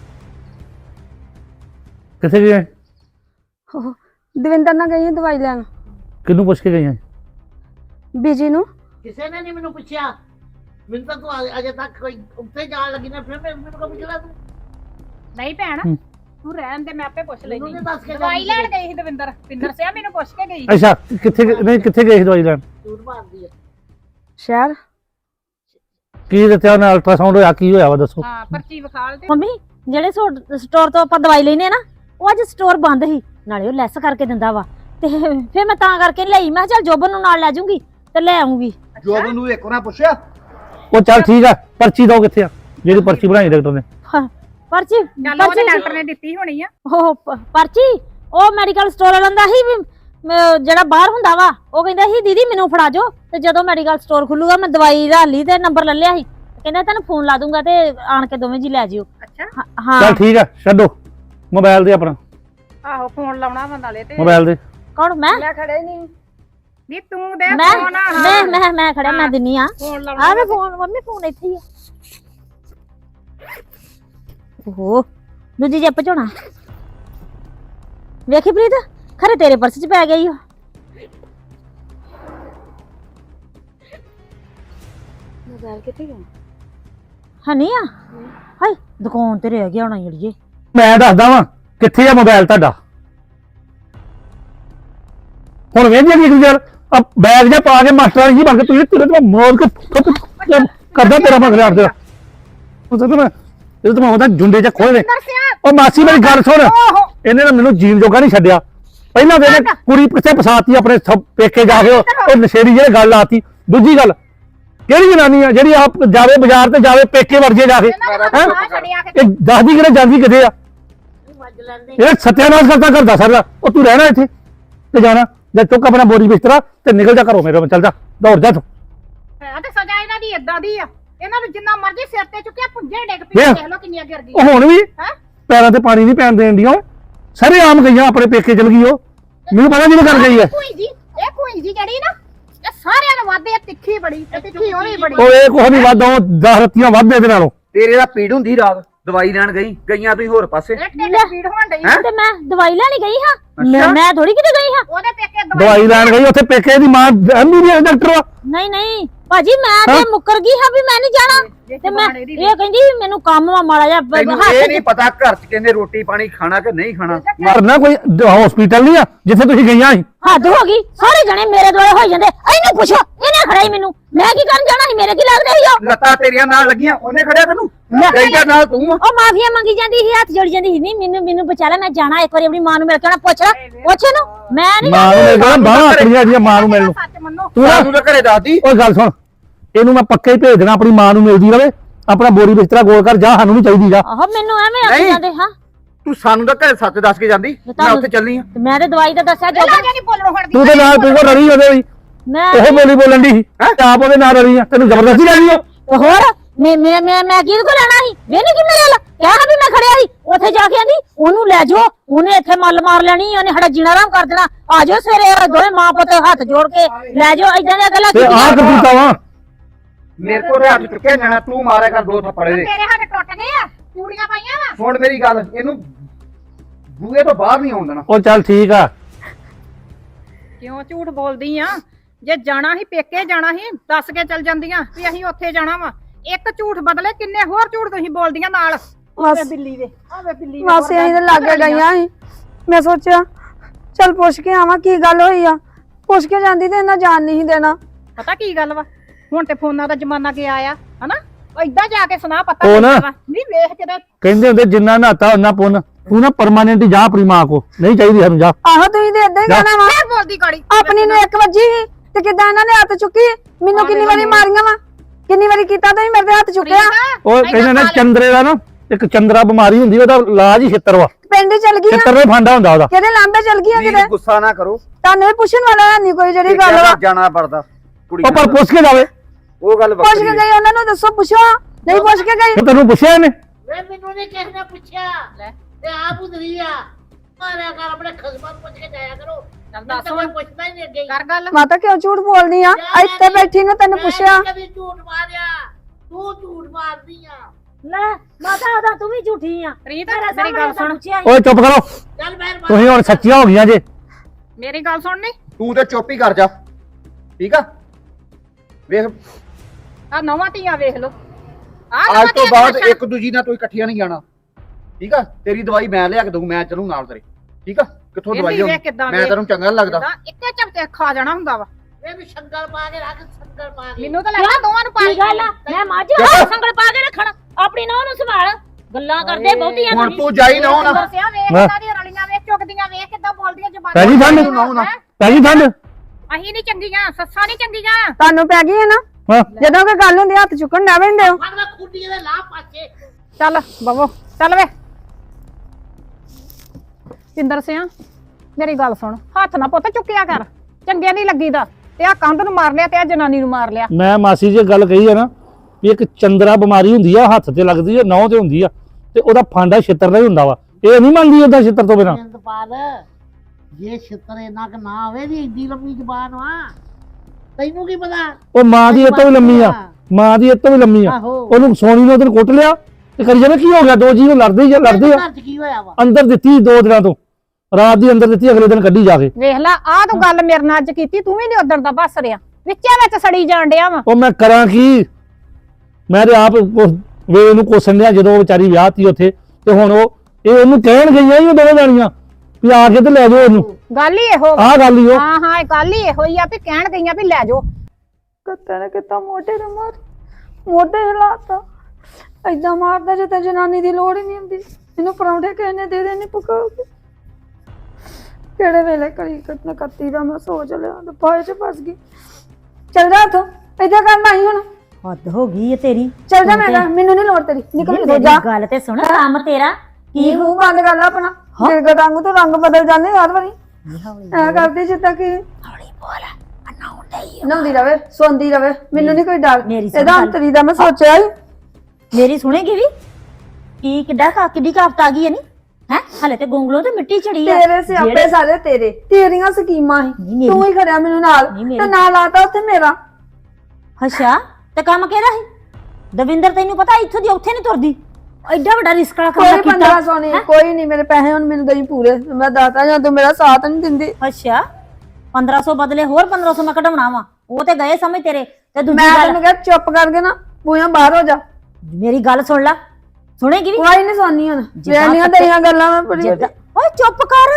S3: ਕਿੱਥੇ ਗਏ?
S5: ਦਵਿੰਦਰ ਨਾਲ ਗਈ ਹਾਂ ਦਵਾਈ ਲੈਣ,
S3: ਕਿਹਨੂੰ ਪੁੱਛ ਕੇ ਗਈਆਂ?
S5: ਬੀਜੀ ਨੂੰ।
S4: ਕਿਸੇ ਨੇ ਨਹੀਂ ਮੈਨੂੰ ਪੁੱਛਿਆ। ਮੈਨੂੰ ਤਾਂ ਤੂੰ ਅਜੇ ਤੱਕ ਕੋਈ ਉੱਥੇ ਜਾਣ ਲੱਗੀ ਨਾ, ਫਿਰ ਮੈਨੂੰ ਕੋ ਪੁੱਛਣਾ ਤੂੰ?
S2: ਨਹੀਂ ਭੈਣ ਤੂੰ ਰਹਿਣ ਦੇ, ਮੈਂ ਆਪੇ ਪੁੱਛ ਲੈਂਦੀ।
S4: ਮੈਨੂੰ ਦੱਸ ਕੇ
S2: ਦਵਾਈ ਲੈਣ ਗਈ ਸੀ ਦਵਿੰਦਰ। ਪਿੰਦਰ ਸਿਆ ਮੈਨੂੰ ਪੁੱਛ ਕੇ ਗਈ।
S3: ਅੱਛਾ, ਨਹੀਂ ਕਿੱਥੇ ਗਏ ਸੀ ਦਵਾਈ ਲੈਣ?
S4: ਝੂਠ ਮਾਰਦੀ ਆ।
S5: ਸ਼ਹਿਰ।
S3: ਕੀ ਦੱਸਿਆ ਉਹਨੇ? ਅਲਟਰਾਸਾਊਂਡ ਹੋਇਆ? ਕੀ ਹੋਇਆ ਵਾ ਦੱਸੋ।
S2: ਹਾਂ, ਪਰਚੀ ਵਿਖਾਲ ਤੇ।
S5: ਮੰਮੀ ਜਿਹੜੇ ਸਟੋਰ ਤੋਂ ਆਪਾਂ ਦਵਾਈ ਲੈਨੇ ਆ ਨਾ, ਉਹ ਅੱਜ ਸਟੋਰ ਬੰਦ ਸੀ, ਨਾਲੇ ਉਹ ਲੈਸ ਕਰਕੇ ਦਿੰਦਾ ਵਾ, ਤੇ ਫਿਰ ਮੈਂ ਤਾਂ ਕਰਕੇ ਨੀ ਲਈ। ਮੈਂ ਕਿਹਾ ਚੱਲ ਜੋਬਨ ਨੂੰ ਨਾਲ ਲੈ ਜਾਊਂਗੀ ਤੇ ਲੈ ਆਉਂਗੀ।
S1: ਜੋਬ ਨੂੰ ਇੱਕ ਵਾਰ ਪੁੱਛਿਆ?
S3: ਉਹ ਚੱਲ ਠੀਕ ਆ, ਪਰਚੀ ਦੋ ਕਿੱਥੇ ਆ ਜਿਹੜੀ ਪਰਚੀ ਬਣਾਈ ਡਾਕਟਰ ਨੇ?
S5: ਪਰਚੀ
S2: ਚੱਲ ਉਹਦੇ ਡਾਕਟਰ ਨੇ ਦਿੱਤੀ ਹੋਣੀ ਆ।
S5: ਉਹ ਪਰਚੀ ਉਹ ਮੈਡੀਕਲ ਸਟੋਰ ਵਾਲਾ ਦਾ ਸੀ ਵੀ ਜਿਹੜਾ ਬਾਹਰ ਹੁੰਦਾ ਵਾ, ਉਹ ਕਹਿੰਦਾ ਸੀ ਦੀਦੀ ਮੈਨੂੰ ਫੜਾ ਜੋ, ਤੇ ਜਦੋਂ ਮੈਡੀਕਲ ਸਟੋਰ ਖੁੱਲੂਗਾ ਮੈਂ ਦਵਾਈ ਲਈ ਤੇ ਨੰਬਰ ਲੈ ਲਿਆ ਸੀ, ਕਹਿੰਦਾ ਤੈਨੂੰ ਫੋਨ ਲਾ ਦੂੰਗਾ ਤੇ ਆਣ ਕੇ ਦੋਵੇਂ ਜੀ ਲੈ ਜਿਓ।
S2: ਅੱਛਾ,
S5: ਹਾਂ
S3: ਚੱਲ ਠੀਕ ਆ, ਛੱਡੋ ਮੋਬਾਈਲ ਦੇ ਆਪਣਾ।
S2: ਆਹੋ ਫੋਨ ਲਾਉਣਾ ਵਾ ਨਾਲੇ ਤੇ
S3: ਮੋਬਾਈਲ ਦੇ
S5: ਕੌਣ ਮੈਂ
S2: ਲੈ ਖੜੇ ਨਹੀਂ ਨੀ ਤੂੰ ਦੇ
S5: ਮੈਂ
S2: ਫੋਨ ਆ
S5: ਮੈਂ ਖੜਿਆ ਮੈਂ ਦਿੰਨੀ ਆ
S2: ਫੋਨ ਲਾਉਣਾ
S5: ਆ ਵੇ ਫੋਨ ਮੰਮੀ ਫੋਨ ਇੱਥੇ ਹੀ ਆ ਓਹੋ ਦੂਜੀ ਜੇਬ ਚ ਹੋਣਾ ਵੇਖੀ ਪ੍ਰੀਤ ਖਰੇ ਤੇਰੇ ਪਰਸ ਚ ਪੈ ਗਈ ਓ
S2: ਮੋਬਾਈਲ ਕਿੱਥੇ ਗਿਆ
S5: ਹਨੀ ਆ ਹਾਏ ਦੁਕਾਨ ਤੇ ਰਹਿ ਗਿਆ ਹੋਣਾ ਜੜੀਏ
S3: ਮੈਂ ਦੱਸਦਾ ਵਾਂ ਕਿੱਥੇ ਆ ਮੋਬਾਈਲ ਤੁਹਾਡਾ ਹੁਣ ਵੇਖਿਆ ਕਿ ਯਾਰ ਆ ਬੈਗ ਜਿਹਾ ਪਾ ਕੇ ਮਾਸਟਰ ਜੀ ਬਣ ਕੇ ਤੁਸੀਂ ਤੇਰੇ ਤੋਂ ਮੋੜ ਕੇ ਕਰਦਾ ਤੇਰਾ ਮਗਰ ਆੜ ਤੇਰਾ ਉਹ ਤਾਂ ਮੈਂ ਇਹ ਤਾਂ ਮੈਂ ਉਹਦਾ ਜੁੰਡੇ 'ਚ ਖੋਲ ਦੇ ਉਹ ਮਾਸੀ ਮੇਰੀ ਗੱਲ ਸੁਣ ਇਹਨੇ ਨਾ ਮੈਨੂੰ ਜੀਣ ਜੋਗਾ ਨਹੀਂ ਛੱਡਿਆ ਪਹਿਲਾਂ ਵੇਲੇ ਕੁੜੀ ਪਿੱਛੇ ਫਸਾਤੀ ਆਪਣੇ ਪੇਕੇ ਜਾ ਕੇ ਉਹ ਨਸ਼ੇੜੀ ਜਿਹੜੇ ਗੱਲ ਆਤੀ ਦੂਜੀ ਗੱਲ ਕਿਹੜੀ ਜਨਾਨੀ ਆ ਜਿਹੜੀ ਆਪ ਜਾਵੇ ਬਾਜ਼ਾਰ ਤੇ ਜਾਵੇ ਪੇਕੇ ਵਰਜੇ ਜਾ ਕੇ ਹੈਂ? ਇਹ ਦੱਸਦੀ ਕਿਹੜੇ ਜਾਂਦੀ ਕਿਤੇ ਆ
S4: ਵੱਜ ਲੈਂਦੇ
S3: ਇਹ ਸਤਿਆਨਾਸ਼ ਕਰਦਾ ਸਾਰਾ ਉਹ ਤੂੰ ਰਹਿਣਾ ਇੱਥੇ ਤੇ ਜਾਣਾ ਜਾਂ ਚੁੱਕ ਆਪਣਾ ਬੋਰੀ ਬਿਸਤਰਾ ਤੇ ਨਿਕਲ ਜਾ ਘਰੋਂ ਮੇਰੇ ਚੱਲ ਜਾ ਦੌੜ ਜਾ ਤੂੰ
S2: ਹੈ ਤੇ ਸਜ਼ਾ ਇਹਨਾਂ ਦੀ ਏਦਾਂ ਦੀ ਆ ਇਹਨਾਂ ਨੂੰ ਜਿੰਨਾ ਮਰਜ਼ੀ ਸਿਰ ਤੇ ਚੁੱਕਿਆ ਪੁੰਜੇ ਡਿੱਗ ਪਈ
S3: ਦੇਖ।
S2: ਦੇਖ ਲਓ ਕਿੰਨੀਆਂ ਗਿਰ ਗਈ
S3: ਉਹ ਹੁਣ ਵੀ
S2: ਹੈ
S3: ਪੈਰਾਂ ਤੇ ਪਾਣੀ ਨਹੀਂ ਪੈਣ ਦੇਣ ਦੀਆਂ ਸਾਰੇ ਆਮ ਗਈਆਂ ਆਪਣੇ ਪੇਕੇ ਚਲ ਗਈ ਉਹ ਮੈਨੂੰ ਪਤਾ ਜਿਹਨੇ ਕਰ ਗਈ ਹੈ
S2: ਕੋਈ ਜੀ ਜਿਹੜੀ ਨਾ ਇਹ ਸਾਰਿਆਂ ਨੂੰ ਵਾਦੇ ਤਿੱਖੀ ਬੜੀ ਤੇ ਤਿੱਖੀ ਉਹ ਵੀ ਬੜੀ
S3: ਉਹ ਇਹ ਕੁਛ ਨਹੀਂ ਵੱਧ ਉਹ 10 ਰੱਤੀਆਂ ਵੱਧ ਇਹਦੇ ਨਾਲੋਂ
S1: ਤੇਰੇ ਦਾ ਪੀੜ ਹੁੰਦੀ ਰਾਤ ਦਵਾਈ ਲੈਣ ਗਈਆਂ ਤੁਸੀਂ ਹੋਰ ਪਾਸੇ
S2: ਇਹ ਢਿੱਡ ਪੀੜ ਹੋਣ ਡਈ
S1: ਹੈਂ?
S5: ਤੇ ਮੈਂ ਦਵਾਈ ਲੈਣੀ ਗਈ ਹਾਂ
S1: ਅੱਛਾ।
S5: ਮੈਂ ਥੋੜੀ ਕਿਤੇ ਗਈ ਹਾਂ
S2: ਉਹਦੇ ਪੇਕੇ
S3: ਦਵਾਈ ਲੈਣ ਗਈ ਉੱਥੇ ਪੇਕੇ ਦੀ ਮਾਂ ਐਮਬੀਬੀਐਸ ਡਾਕਟਰ ਆ
S5: ਨਹੀਂ ਭਾਜੀ ਮੈਂ ਤੇ
S3: ਹਾਂ?
S5: ਮੁੱਕਰ ਗਈ ਹਾਂ ਵੀ ਮੈਂ ਨਹੀਂ ਜਾਣਾ ਤੇ ਮੈਂ ਇਹ ਕਹਿੰਦੀ ਵੀ ਮੈਨੂੰ ਕੰਮ ਵਾ ਮਾੜਾ ਜਿਹਾ
S1: ਤੈਨੂੰ ਇਹ ਨਹੀਂ ਪਤਾ ਘਰ ਚ ਕਹਿੰਦੇ ਰੋਟੀ ਪਾਣੀ ਖਾਣਾ ਕਿ ਨਹੀਂ ਖਾਣਾ
S3: ਮਰਨਾ ਕੋਈ ਹਸਪੀਟਲ ਨਹੀਂ ਆ ਜਿੱਥੇ ਤੁਸੀਂ ਗਈਆਂ ਸੀ
S5: ਹੱਦ ਹੋ ਗਈ ਸਾਰੇ ਜਣੇ ਮੇਰੇ ਦੁਆਲੇ ਹੋਈ ਜਾਂਦੇ ਇਹਨੂੰ ਪੁੱਛੋ ਇਹਨੇ ਖੜਾਈ ਮੈਨੂੰ ਮੈਂ ਕੀ ਕਰਨ ਜਾਣਾ ਸੀ ਮੇਰੇ ਕੀ ਲੱਗਦਾ ਸੀ ਉਹ
S1: ਲੱਤਾਂ ਤੇਰੀਆਂ ਨਾਲ ਲੱਗੀਆਂ ਉਹਨੇ ਖੜਿਆ ਤੈਨੂੰ ਗਈਆਂ ਨਾਲ ਤੂੰ ਆ।
S5: ਉਹ ਮਾਫੀਆ ਮੰਗੀ ਜਾਂਦੀ ਸੀ ਹੱਥ ਜੋੜੀ ਜਾਂਦੀ ਸੀ ਨਹੀਂ ਮੈਨੂੰ ਬਚਾ ਲੈ ਮੈਂ ਜਾਣਾ ਇੱਕ ਵਾਰੀ ਆਪਣੀ ਮਾਂ ਨੂੰ ਮਿਲ ਕੇ ਆਉਣਾ ਪੁੱਛ ਇਹਨੂੰ ਮੈਂ ਨਹੀਂ
S3: ਮਾਂ ਨੂੰ ਮੇਰੇ ਕੋਲ ਬਾਹਾਂ ਆਕੜੀਆਂ ਦੀਆਂ ਮਾਂ ਨੂੰ ਮਿਲਣ ਨੂੰ
S2: ਸੱਚ ਮੰਨੋ
S3: ਤੂੰ ਨਾ
S1: ਸਾਨੂੰ ਤਾਂ ਘਰੇ ਦੱਸਦੀ
S3: ਓਏ ਗੱਲ ਸੁਣ ਇਹਨੂੰ ਮੈਂ ਪੱਕੇ ਹੀ ਭੇਜ ਦੇਣਾ ਆਪਣੀ ਮਾਂ ਨੂੰ ਮਿਲਦੀ ਰਵੇ ਆਪਣਾ ਬੋਰੀ ਬਿਸਤਰਾ ਗੋਲ ਕਰ ਜਾ ਸਾਨੂੰ ਨਹੀਂ ਚਾਹੀਦੀ ਜਾ
S5: ਆਹੋ ਮੈਨੂੰ ਐਵੇਂ ਆਖੀ
S1: ਨਹੀਂ।
S5: ਜਾਂਦੇ ਹਾਂ
S1: ਤੂੰ ਸਾਨੂੰ ਤਾਂ ਘਰੇ ਸੱਚ ਦੱਸ ਕੇ ਜਾਂਦੀ ਮੈਂ
S5: ਤੁਹਾਨੂੰ-
S1: ਉੱਥੇ ਚੱਲਣੀ ਆ
S5: ਤੇ ਮੈਂ ਤੇ ਦਵਾਈ ਤਾਂ ਦੱਸਿਆ ਜੋ
S2: ਲੱਗਾ ਨਹੀਂ ਬੋਲਣੋਂ ਹਟਦੀ
S3: ਤੂੰ ਤੇ ਨਾਲ ਤੂੰ ਕੋ ਰਲੀ ਉਹਦੇ ਵੀ
S5: ਮੈਂ
S3: ਉਹ ਬੋਲੀ ਬੋਲਣ ਦੀ ਆਪ ਉਹਦੇ ਨਾਲ ਰਲੀ ਆ ਤੈਨੂੰ ਜ਼ਬਰਦਸਤੀ ਲੈਣੀ ਆ
S5: ਤੇ ਹੋਰ ਮੈਂ ਕਿਹਦੇ ਕੋ ਲੈਣਾ ਸੀ ਵੇਨੇ ਕਿ ਮੇਰੇ ਨਾਲ ਕਿਹਾ ਵੀ ਮੈਂ ਖੜਿਆ ਸੀ ਉੱਥੇ ਜਾ ਕੇ ਆਂਦੀ ਉਹਨੂੰ ਲੈ ਜਾਓ ਉਹਨੇ ਇੱਥੇ ਮੱਲ ਮਾਰ ਲੈਣੀ ਉਹਨੇ ਸਾਡਾ ਜੀਣਾ ਆਰਾਮ ਕਰ ਦੇਣਾ ਆ ਜਾਓ ਸਵੇਰੇ ਦੋਵੇਂ ਮਾਂ ਪੁੱਤ ਹੱਥ ਜੋੜ ਕੇ ਲੈ ਜਾਓ ਇਦਾਂ ਦੀਆਂ ਗੱਲਾਂ
S3: ਤੇ ਆਹ ਕਰਤੂਤਾ ਵਾ
S1: ਮੇਰੇ ਕੋਲ ਹੱਥ ਚੁੱਕਿਆ ਜਾਣਾ ਤੂੰ ਮਾਰਿਆ ਕਰ ਦੋ ਥੱਪੜੇ ਦੇ
S2: ਤੇਰੇ ਹੱਥ ਟੁੱਟ ਗਏ ਆ ਚੂੜੀਆਂ ਪਾਈਆਂ ਵਾ
S1: ਸੁਣ ਮੇਰੀ ਗੱਲ ਇਹਨੂੰ ਬੂਹੇ ਤੋਂ ਬਾਹਰ ਨਹੀਂ ਆਉਣ ਦੇਣਾ
S3: ਉਹ ਚੱਲ ਠੀਕ ਆ
S2: ਕਿਉਂ ਝੂਠ ਬੋਲਦੀ ਆ ਜੇ ਜਾਣਾ ਸੀ ਪੇਕੇ ਜਾਣਾ ਸੀ ਦੱਸ ਕੇ ਚੱਲ ਜਾਂਦੀਆਂ ਵੀ ਅਸੀਂ ਉੱਥੇ ਜਾਣਾ ਵਾ ਇੱਕ ਝੂਠ ਬਦਲੇ ਕਿੰਨੇ ਹੋਰ ਝੂਠ ਤੁਸੀਂ ਬੋਲਦੀਆਂ ਨਾਲ ਆਵੇ ਬਿੱਲੀ ਦੇ ਆਵੇ ਬਿੱਲੀ ਦੇ
S6: ਮਾਸੀ ਅਸੀਂ ਤੇ ਲਾਗੇ ਗਈਆਂ ਸੀ ਮੈਂ ਸੋਚਿਆ ਚੱਲ ਪੁੱਛ ਕੇ ਆਵਾਂ ਕੀ ਗੱਲ ਹੋਈ ਆ ਪੁੱਛ ਕੇ ਜਾਂਦੀ ਤੇ ਇਹਨਾਂ ਜਾਣ ਨਹੀਂ ਸੀ ਦੇਣਾ
S2: ਪਤਾ ਕੀ ਗੱਲ ਵਾ ਹੁਣ ਤੇ ਫੋਨਾਂ ਦਾ ਜ਼ਮਾਨਾ ਗਿਆ ਆ ਹਨਾ ਉਹ ਏਦਾਂ ਜਾ ਕੇ ਸੁਣਾ ਪਤਾ
S3: ਉਹ ਨਾ-
S2: ਵਾ ਨਹੀਂ ਵੇਖ ਕੇ
S3: ਕਹਿੰਦੇ ਹੁੰਦੇ ਜਿੰਨਾ ਨਹਾਤਾ ਉਹਨਾਂ ਪੁੰਨ ਤੂੰ ਨਾ ਪਰਮਾਨੈਂਟ ਜਾ ਆਪਣੀ ਮਾਂ ਕੋ ਨਹੀਂ ਚਾਹੀਦੀ ਸਾਨੂੰ ਜਾ
S6: ਆਹੋ ਤੁਸੀਂ ਤੇ ਏਦਾਂ ਹੀ ਕਹਿਣਾ ਵਾ
S2: ਫੇਰ ਬੋਲਦੀ ਗਾੜੀ
S6: ਆਪਣੀ ਨੂੰ ਇੱਕ ਵੱਜੀ ਸੀ ਤੇ ਕਿਦਾਂ ਇਹਨਾਂ ਨੇ ਹੱਥ ਚੁੱਕੀ ਮੈਨੂੰ ਕਿੰਨੀ ਵਾਰੀ ਮਾਰੀਆਂ ਵਾ ਕਿੰਨੀ ਵਾਰੀ ਕੀਤਾ ਤੁਸੀਂ ਮੇਰੇ ਤੇ ਹੱਥ ਚੁੱਕਿਆ
S3: ਉਹ ਕਹਿੰਦੇ ਨੇ ਚੰਦਰੇ ਦਾ ਨਾ ਇੱਕ ਚੰਦਰਾ ਬਿਮਾਰੀ ਹੁੰਦੀ ਉਹਦਾ ਇਲਾਜ ਹੀ ਛਿੱਤਰ ਵਾ
S6: ਪਿੰਡ ਚੱਲ ਗਈ
S3: ਛਿੱਤਰ ਦਾ ਫਾਂਡਾ ਹੁੰਦਾ ਉਹਦਾ
S6: ਕਿਹਦੇ ਲਾਂਬੇ ਚੱਲ ਗਈ ਆ
S1: ਵੀਰ
S6: ਕਿਤੇ
S1: ਗੁੱਸਾ ਨਾ ਕਰੋ
S6: ਤੁਹਾਨੂੰ ਇਹ ਪੁੱਛਣ ਵਾਲਾ ਨਹੀਂ ਕੋਈ ਜਿਹੜੀ ਗੱਲ ਵਾ
S1: ਜਾਣਾ ਪੜਦਾ ਕੁੜੀ
S3: ਉਹ ਪਰ ਪੁੱਛ ਕੇ ਜਾਵੇ
S1: ਉਹ ਗੱਲ
S6: ਪੁੱਛ
S1: ਵੱਖਰੀ
S6: ਕੇ
S1: ਹੈ।
S6: ਗਈ ਉਹਨਾਂ ਨੂੰ ਦੱਸੋ ਪੁੱਛੋ ਨਹੀਂ ਪੁੱਛ ਕੇ ਗਈ
S3: ਉਹ ਤੈਨੂੰ ਪੁੱਛਿਆ ਇਹਨੇ
S4: ਵੇ ਮੈਨੂੰ ਨਹੀਂ ਕਿਸੇ ਨੇ ਪੁੱਛਿਆ ਲੈ ਤੇ ਆਪ ਉਧਰੀ ਆ ਮਾਰਿਆ ਕਰ ਆਪਣੇ ਖਸਮਾਂ ਨੂੰ ਪੁੱਛ ਕੇ ਜਾਇਆ ਕਰੋ
S2: ਚੱਲ
S4: ਮੈਂ
S2: ਦੱਸ
S4: ਤਾਂ
S2: ਹੁਣ
S4: ਕੋਈ ਪੁੱਛਦਾ ਹੀ ਨਹੀਂ ਅੱਗੇ
S2: ਕਰ ਗੱਲ
S6: ਮਾਤਾ ਕਿਉਂ ਝੂਠ ਬੋਲਦੀ ਆ ਇੱਥੇ ਬੈਠੀ ਨੂੰ ਤੈਨੂੰ ਪੁੱਛਿਆ
S4: ਮੈਂ ਕਦੀ ਝੂਠ ਮਾਰਿਆ ਤੂੰ ਝੂਠ ਮਾਰਦੀ ਆ
S5: ਲੈ ਮਾਤਾ ਉਹਦਾ ਤੂੰ ਵੀ ਝੂਠੀ ਆ
S2: ਰੀਤ ਮੇਰੀ ਗੱਲ ਸੁਣ
S3: ਓਏ ਚੁੱਪ ਕਰੋ
S4: ਚੱਲ ਮੈਂ
S3: ਤੁਸੀਂ ਹੁਣ ਸੱਚੀਆਂ ਹੋ ਗਈਆਂ ਜੇ
S2: ਮੇਰੀ ਗੱਲ ਸੁਣ ਨੀ
S1: ਤੂੰ ਤੇ ਚੁੱਪ ਹੀ ਕਰ ਜਾ ਠੀਕ ਆ ਵੇਖ
S2: ਆ ਨਵਾਂ ਧੀਆਂ ਵੇਖ ਲੋ ਆ
S1: ਅੱਜ ਤੋਂ ਬਾਅਦ ਇੱਕ ਦੂਜੀ ਨਾਲ ਤੂੰ ਇਕੱਠੀਆਂ ਨਹੀਂ ਜਾਣਾ ਠੀਕ ਆ ਤੇਰੀ ਦਵਾਈ ਮੈਂ ਲਿਆ ਕੇ ਦਊਂ ਮੈਂ ਚੱਲੂ ਨਾਲ ਤੇਰੇ ਠੀਕ ਆ ਕਿੱਥੋਂ
S2: ਇਹਦੀ
S1: ਦਵਾਈ
S2: ਵੇਖ ਕਿੱਦਾਂ
S1: ਮੈਂ
S2: ਵੇਖ।
S1: ਤੈਨੂੰ ਚੰਗਾ ਨੀ ਲੱਗਦਾ
S2: ਇੱਕੇ ਝਪਟੇ ਖਾ ਜਾਣਾ ਹੁੰਦਾ ਵਾ
S4: ਮੈਨੂੰ ਸ਼ੰਗਲ ਪਾ ਕੇ ਰੱਖ ਸ਼ੰਗਲ ਪਾ ਕੇ
S2: ਮੈਨੂੰ ਤਾਂ ਲੱਗਦਾ ਦੋਵਾਂ ਨੂੰ
S5: ਕੀ
S2: ਪਾਈ
S5: ਗੱਲ ਆ ਮੈਂ ਮੱਝ ਆ ਸੰਗਲ ਪਾ ਕੇ ਰੱਖਣ ਆਪਣੀ ਨੌਂ ਨੂੰ ਸੰਭਾਲ ਗੱਲਾਂ ਕਰਦੇ ਬਹੁਤੀਆਂ
S1: ਹੁਣ ਤੂੰ ਜਾਈ ਨਾ ਹੁਣ
S2: ਦੱਸਿਆ ਵੇਖ
S3: ਹਾਂ।
S2: ਉਹਨਾਂ ਦੀਆਂ ਰਲੀਆਂ ਵੇਖ ਚੁੱਕਦੀਆਂ ਵੇਖ ਕਿੱਦਾਂ ਬੋਲਦੀਆਂ ਜ਼ਬਾਨਾਂ
S3: ਪੈ ਗਈ ਠੰਡ ਪੈ ਗਈ ਠੰਡ
S2: ਅਸੀਂ ਨਹੀਂ ਚੰਗੀਆਂ ਸੱਸਾਂ ਨਹੀਂ ਚੰਗੀਆਂ
S6: ਤੁਹਾਨੂੰ ਪੈ ਗਈ ਹੈ ਨਾ
S3: ਹਾਂ
S6: ਜਦੋਂ ਕੋਈ ਗੱਲ ਹੁੰਦੀ ਹੱਥ ਚੁੱਕਣ ਨਾ ਵੰਦੇ ਹੋ
S4: ਫੜ ਲੈ ਖੁੱਡੀ ਦੇ ਲਾ ਪਾਸੇ
S2: ਚੱਲ ਬਵੋ ਚੱਲ ਵੇ ਸਿੰਦਰ ਸਿਆ ਮੇਰੀ ਗੱਲ ਸੁਣ ਹੱਥ ਨਾ ਪੁੱਤ ਚੁੱਕਿਆ ਕਰ ਚੰਗੇ ਨਹੀਂ ਲੱਗੀਦਾ ਤੇ ਆ ਕੰਧ ਨੂੰ ਮਾਰ ਲਿਆ ਤੇ ਆ ਜਨਾਨੀ ਨੂੰ ਮਾਰ ਲਿਆ
S3: ਮੈਂ ਮਾਸੀ ਜੀ ਗੱਲ ਕਹੀ ਆ ਨਾ ਵੀ ਇੱਕ ਚੰਦਰਾ ਬਿਮਾਰੀ ਹੁੰਦੀ ਆ ਹੱਥ ਤੇ ਲੱਗਦੀ ਆ ਨਹੁੰ ਤੇ ਹੁੰਦੀ ਆ ਤੇ ਉਹਦਾ ਫਾਂਡਾ ਛਿੱਤਰ ਦਾ ਹੀ ਹੁੰਦਾ ਵਾ ਇਹ ਨਹੀਂ ਮੰਨਦੀ ਉਹਦਾ ਛਿੱਤਰ ਤੋਂ ਬਿਨਾਂ।
S4: ਇੰਦਪਾਲ ਜੇ ਛਿੱਤਰ ਇੰਨਾ ਕੁ ਨਾ ਆਵੇ ਦੀ ਏਡੀ ਲੰਮੀ ਜ਼ਬਾਨ ਵਾ ਤੈਨੂੰ ਕੀ ਪਤਾ?
S3: ਉਹ ਮਾਂ ਦੀ ਇਹ ਤੋਂ ਵੀ ਲੰਮੀ ਆ, ਮਾਂ ਦੀ ਇਹ ਤੋਂ ਵੀ ਲੰਮੀ ਆ।
S4: ਆਹੋ
S3: ਉਹਨੂੰ ਸੋਨੀ ਨੇ ਉਹਨੂੰ ਕੁੱਟ ਲਿਆ ਤੇ ਕਰੀ ਜਾਵੇ ਕੀ ਹੋ ਗਿਆ, ਦੋ ਜੀ ਨੂੰ ਲੜਦੇ ਹੀ ਆ।
S4: ਘਰ 'ਚ ਕੀ ਹੋਇਆ ਵਾ?
S3: ਅੰਦਰ ਦਿੱਤੀ 2 ਦਿਨਾਂ ਤੋਂ, ਰਾਤ ਦੀ ਅੰਦਰ ਦਿੱਤੀ, ਅਗਲੇ ਦਿਨ ਕੱਢੀ ਜਾ ਕੇ।
S2: ਵੇਖ ਲੈ ਆਹ ਤੂੰ ਗੱਲ ਮੇਰੇ ਨਾਲ ਅੱਜ ਕੀਤੀ, ਤੂੰ ਵੀ ਨਹੀਂ ਉਧਰ ਦਾ ਬਸ ਰਿਆ ਵਿੱਚੇ ਵਿੱਚ ਸੜੀ ਜਾਣ ਡਿਆ ਵਾ।
S3: ਉਹ ਮੈਂ ਕਰਾਂ ਕੀ, ਮੈਂ ਤੇ ਆਪ ਵੇ ਉਹਨੂੰ ਕੋਸਣ ਲਿਆ ਜਦੋਂ ਉਹ ਵਿਚਾਰੀ ਵਿਆਹ ਤੀ ਉੱਥੇ, ਤੇ ਹੁਣ ਇਹ ਉਹਨੂੰ ਕਹਿਣ ਗਈਆਂ ਹੀ ਉਹ ਦੋਵੇਂ ਜਾਣੀਆਂ ਵੀ ਆ ਕੇ ਤੇ ਲੈ ਜਾਓ ਇਹਨੂੰ।
S2: ਗੱਲ ਹੀ ਇਹੋ
S3: ਆਹ ਗੱਲ ਹੀ ਉਹ।
S2: ਹਾਂ ਇਹ ਗੱਲ ਹੀ ਇਹੋ ਹੀ ਆ ਵੀ ਕਹਿਣ ਗਈਆਂ ਵੀ ਲੈ ਜਾਓ।
S6: ਕੱਤਾ ਨੇ ਕਿਤਾ ਮੋਢੇ ਤੇ ਮਾਰ, ਮੋਢੇ ਹਿਲਾਤਾ। ਏਦਾਂ ਮਾਰਦਾ ਜਿੱਦਾਂ ਜਨਾਨੀ ਦੀ ਲੋੜ ਹੀ ਨਹੀਂ ਹੁੰਦੀ। ਇਹਨੂੰ ਪਰੌਂਠੇ ਕਿਸੇ ਨੇ ਦੇ ਦੇਣੇ ਪਕਾ ਕੇ। ਕਿਹੜੇ ਵੇਲੇ ਕਰੀ ਕੱਟਣਾ ਕੱਤੀ ਦਾ ਮੈਂ ਸੋਚ ਲਿਆ ਤੇ ਪਾਏ ਚ ਫਸ ਗਈ। ਚੱਲ ਜਾ ਉੱਥੋਂ, ਏਦਾਂ ਕਰਨਾ ਹੀ ਹੁਣ।
S5: ਹੱਦ ਹੋ ਗਈ ਏ ਤੇਰੀ।
S6: ਚੱਲ ਜਾ, ਮੈਂ ਮੈਨੂੰ ਨਹੀਂ ਲੋੜ ਤੇਰੀ, ਨਿਕਲ
S5: ਮੇਰੀ
S6: ਇੱਥੋਂ ਜਾ।
S5: ਗੱਲ ਤੇ ਸੁਣ, ਕੰਮ ਤੇਰਾ
S6: ਕੀ
S5: ਕੀ
S6: ਮੂੰਹ ਬੰਦ ਕਰ ਲੈ ਆਪਣਾ। ਮੇਰੇ ਰੰਗ ਤੋਂ ਰੰਗ ਬਦਲ ਜਾਂਦੇ ਹਰ ਵਾਰੀ। ਐ ਕਰਦੀ ਜਿੱਦਾਂ ਕਿ
S5: ਹੌਲੀ ਬੋਲ, ਅਨਾਉਂਦੇ
S6: ਨਹਾਉਂਦੀ ਰਵੇ, ਸੌਂਦੀ ਰਵੇ, ਮੈਨੂੰ ਨਹੀਂ ਕੋਈ ਡਰ।
S5: ਮੇਰੀ ਸੁਣ
S6: ਇਹਦਾ
S5: ਗੱਲ।
S6: ਅੰਤਰੀ ਦਾ ਮੈਂ ਸੋਚਿਆ ਹੀ।
S5: ਮੇਰੀ ਸੁਣੇਗੀ ਵੀ ਕੀ ਕਿੱਡੀ ਕਾਫਤ ਆ ਗਈ ਹੈ ਨੀ ਹੈ। ਹਲੇ ਤੇ ਗੋਂਗਲੋਂ ਤੇ ਮਿੱਟੀ ਚੜੀ ਆ।
S6: ਤੇਰੇ ਸਿਆਪੇ ਸਾਰੇ ਤੇਰੇ, ਤੇਰੀਆਂ ਸਕੀਮਾਂ
S5: ਨਹੀਂ
S6: ਸੀ।
S5: ਮੇਰੀ।
S6: ਤੂੰ ਹੀ ਖੜਿਆ ਮੈਨੂੰ ਨਾਲ
S5: ਨਹੀਂ ਮੇਰੀ।
S6: ਤੇ ਨਾਲ ਆਤਾ ਉੱਥੇ ਮੇਰਾ।
S5: ਅੱਛਾ ਤੇ ਕੰਮ ਕਿਹਦਾ ਸੀ? ਦਵਿੰਦਰ ਤੈਨੂੰ ਪਤਾ ਇੱਥੋਂ ਦੀ ਉੱਥੇ ਨਹੀਂ ਤੁਰਦੀ। ਐਡਾ ਵੱਡਾ ਰਿਸਕ ਵਾਲਾ ਕੰਮ
S6: ਕੋਈ
S5: ਕੀਤਾ।
S6: 1500 ਨਹੀਂ, ਕੋਈ ਨਹੀਂ। ਮੇਰੇ ਪੈਸੇ ਹੁਣ ਮੈਨੂੰ ਦਈ ਪੂਰੇ। ਮੈਂ ਦਾਤਾ ਜਾਂ ਤੂੰ ਮੇਰਾ ਸਾਥ ਨਹੀਂ ਦਿੰਦੀ।
S5: ਅੱਛਾ 1500 ਬਦਲੇ ਹੋਰ 1500 ਮੈਂ ਕਢਾਉਣਾ ਵਾ। ਉਹ ਤੇ ਗਏ ਸਮਝ ਤੇਰੇ। ਤੇ ਦੂਜੀ
S6: ਮੈਂ
S5: ਗੱਲ
S6: ਤੈਨੂੰ ਕਿਹਾ ਚੁੱਪ ਕਰਕੇ ਨਾ ਬੂਹਾਂ ਬਾਹਰ ਹੋ ਜਾ।
S5: ਮੇਰੀ ਗੱਲ ਸੁਣ ਲੈ, ਸੁਣੇਗੀ ਵੀ?
S6: ਕੋਈ ਨਹੀਂ ਸੁਣਨੀ ਹੁਣ।
S5: ਜਿੱਦਾਂ
S6: ਜਿਹੜੀਆਂ
S5: ਪੱਤੇ-
S6: ਤੇਰੀਆਂ ਗੱਲਾਂ ਮੈਂ ਬੜੀ
S5: ਜਿੱਦਾਂ ਓਏ ਚੁੱਪ ਕਰ।